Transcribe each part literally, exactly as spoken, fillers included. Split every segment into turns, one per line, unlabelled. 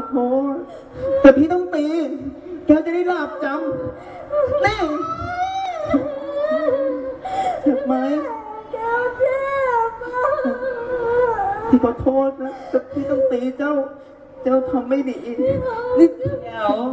อโทษแต่พี่ต้องตีแกจะได้หลับจำแน่เจ็บไหม
แก้วเจ็บ
พี่ขอโทษนะแต่พี่ต้องตีเจ้าเจ้าทำไม่ดีนี่
เดี๋ยว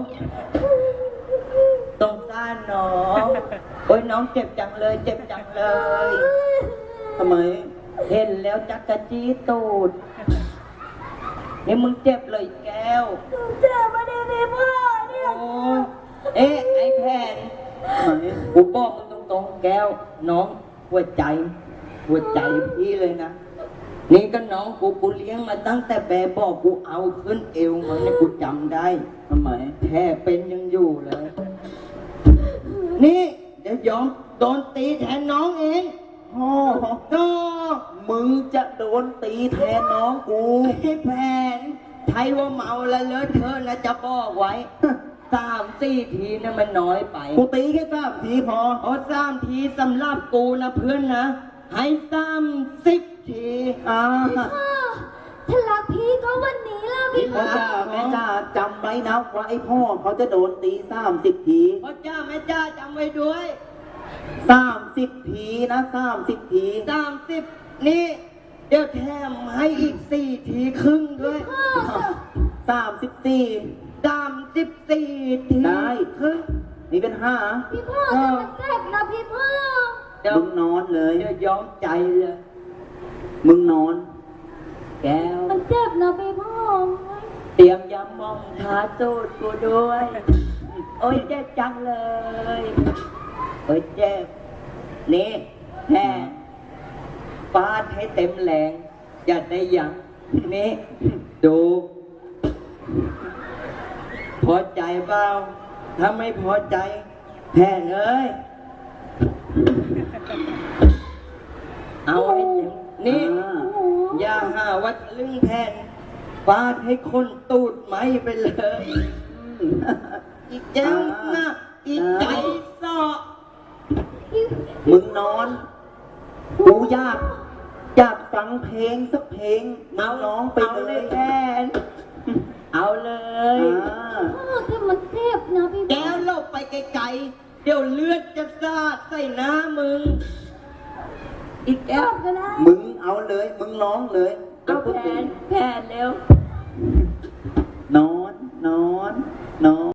ตรงต้านน้องโอ้ยน้องเจ็บจังเลย เจ็บจังเลย
ทำไม
เห็นแล้วจักกะจี้ตูดนี่มึงเจ็บเลยแก้ว
เจ็บมาดีพี่พ่อเนี่ย
โอ้ยเอ๊ะไอ้แผ่น
ทำไม
กูบอกมึงตรงๆแก้ว น้องหัวใจ หัวใจพี่เลยนะ นี่ก็น้องกูกูเลี้ยงมาตั้งแต่แบบบอกกูเอาขึ้นเอวมันเนี่ยกูจำได้
ทำไม
แท้เป็นยังอยู่เลย นี่เดี๋ยวยอมโดนตีแทนน้องเอง
พ่อ
ก็
มึงจะโดนตีแทนน้องกู
ให้แผนใช้ว่าเมาแล้วเลอะเทอะนะจะบอกไว้ สามสี่ทีนะมันน้อยไป
กูตีแค่สามทีพอ
เพราะสามทีสำหรับกูนะเพื่อนนะ ให้สามสิบที
อ่า
พ่อถ้ารักพี่ก็วันนี้แล้วพี่
พ่
พ่
อ
อ
จ้าแม่จ้าจำไว้นะว่าไอ้พ่อเขาจะโดนตีสามสิบที
พ่อจ้าแม่จ้าจำไว้ด้วย
สามสิบทีนะสามสิบที
สามสิบนี่ เดี๋ยวแถมให้อีกสี่ทีครึ่งด้วย
สามสิบสี่
สามสิบสี่ที
ได้
ครึ่ง
นี่เป็นห้า
พี่พ่อแต่มันเจ็บนะพี่พ่อ
เดี๋ยว
มึงนอนเลย
เดี๋ยวยอมใจเลย
มึงนอน
แก้ว
มันเจ็บนะพี่พ่อ
เตรียมยำมองทาตูดกูด้วย โอ้ยเจ็บจังเลย โอ้ยเจ็บ นี่แพ้ฟาดให้เต็มแรง อย่าได้ยัง นี่ ดู พอใจเปล่า ถ้าไม่พอใจ แพ้เลย เอาให้เต็ม นี่
อ่า
อย่าหาว่าทะลึ่งแผ่นฟาดให้คนตูดไหมไปเลย อีกแจ้วนะอีกใจสอ
มึงนอน กูอยากอยากฟังเพลงสักเพลงมึงร้องไป
เอา
เล
เลย ยแอนเอาเลย
อ่า
พ่อแต่มันเจ็บนะพี่พ่
แก้
อ
วหลบไปไกลๆ เดี๋ยวเลือดจะสาดใส่หน้ามึง อีกแก้ว
ก็ได้
มึงเอาเลย มึงร้องเลย
เอาแผนแผนเร็ว
นอน นอน นอน